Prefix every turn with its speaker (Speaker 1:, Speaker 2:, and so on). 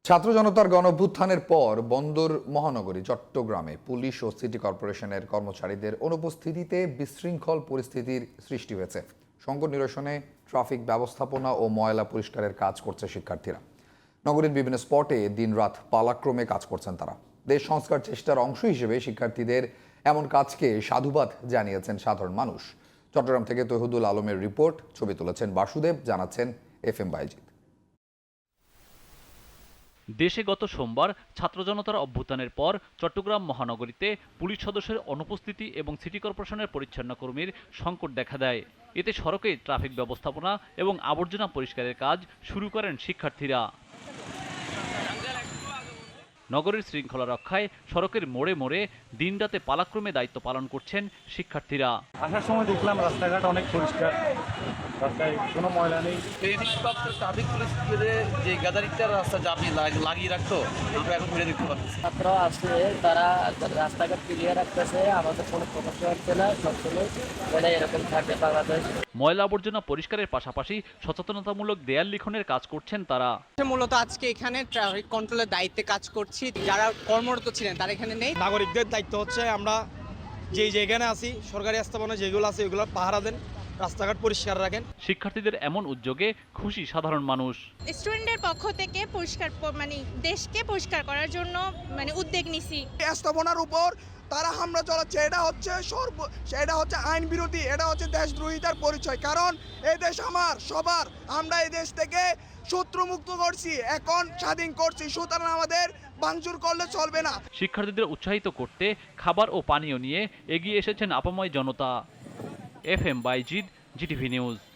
Speaker 1: ছাত্র জনতার গণঅভ্যুত্থানের পর বন্দর মহানগরী চট্টগ্রামে পুলিশ ও সিটি কর্পোরেশনের কর্মচারীদের অনুপস্থিতিতে বিশৃঙ্খল পরিস্থিতির সৃষ্টি হয়েছে। সংকট নিরসনে ট্রাফিক ব্যবস্থাপনা ও ময়লা পরিষ্কারের কাজ করছে শিক্ষার্থীরা। নগরীর বিভিন্ন স্পটে দিনরাত পালাক্রমে কাজ করছেন তারা। দেশ সংস্কার চেষ্টার অংশ হিসেবে শিক্ষার্থীদের এমন কাজকে সাধুবাদ জানিয়েছেন সাধারণ মানুষ। চট্টগ্রাম থেকে তৌহিদুল আলমের রিপোর্ট, ছবি তুলেছেন বাসুদেব, জানাচ্ছেন FM বাইজিদ।
Speaker 2: দেশে গত সোমবার ছাত্র জনতার অভ্যুত্থানের পর চট্টগ্রাম মহানগরীতে পুলিশ সদস্যের অনুপস্থিতি এবং সিটি কর্পোরেশনের পরিচ্ছন্ন কর্মীর সংকট দেখা দেয়। এতে সড়কে ট্রাফিক ব্যবস্থাপনা এবং আবর্জনা পরিষ্কারের কাজ শুরু করেন শিক্ষার্থীরা। নগরীর শৃঙ্খলা রক্ষায় সড়কের মোড়ে মোড়ে দিনরাতে পালাক্রমে দায়িত্ব পালন করছেন শিক্ষার্থীরা।
Speaker 3: আসার সময় দেখলাম রাস্তাঘাট অনেক পরিষ্কার, রাস্তায় কোনো ময়লা নেই।
Speaker 4: ট্রাফিক পুলিশ যে গ্যাদারিংটা রাস্তা জামি লাগিয়ে রাখতো, আমরা এখন ঘুরে দেখতে পাচ্ছি।
Speaker 5: ছাত্র আসলে তারা রাস্তাঘাট ক্লিয়ার রাখতেছে, আমাদের কোনো সমস্যা হচ্ছে না। সবসময় এরকম থাকে বাংলাদেশ।
Speaker 2: ময়লা আবর্জনা পরিষ্কারের পাশাপাশি সচেতনতামূলক দেয়াল লিখনের কাজ করছেন তারা।
Speaker 6: মূলত আজকে এখানে ট্রাফিক কন্ট্রোলের দায়িত্বে কাজ করছি। যারা কর্মরত ছিলেন তারা এখানে নেই।
Speaker 7: নাগরিকদের দায়িত্ব হচ্ছে আমরা যেখানে আছি, সরকারি স্থাপনা যেগুলো আছে ওগুলো পাহারা দেন, রাস্তাঘাট পরিষ্কার রাখেন।
Speaker 2: শিক্ষার্থীদের এমন উদ্যোগে খুশি সাধারণ মানুষ।
Speaker 8: স্টুডেন্টের পক্ষ থেকে পরিষ্কার দেশকে পরিষ্কার করার জন্য উদ্যোগ নিছি।
Speaker 9: স্থাপনার উপর তারা হামলা চালাচ্ছে, এটা হচ্ছে আইন বিরোধী, এটা হচ্ছে দেশদ্রোহিতার পরিচয়। কারণ এই দেশ আমার সবার, আমরা এই দেশ থেকে শত্রুমুক্ত করছি, এখন স্বাধীন করছি, সুতরাং আমাদের ভাঙচুর করলে চলবে না।
Speaker 2: শিক্ষার্থীদের উৎসাহিত করতে খাবার ও পানীয় নিয়ে এগিয়ে এসেছেন আপাময় জনতা। FM Bayjid, GTV news.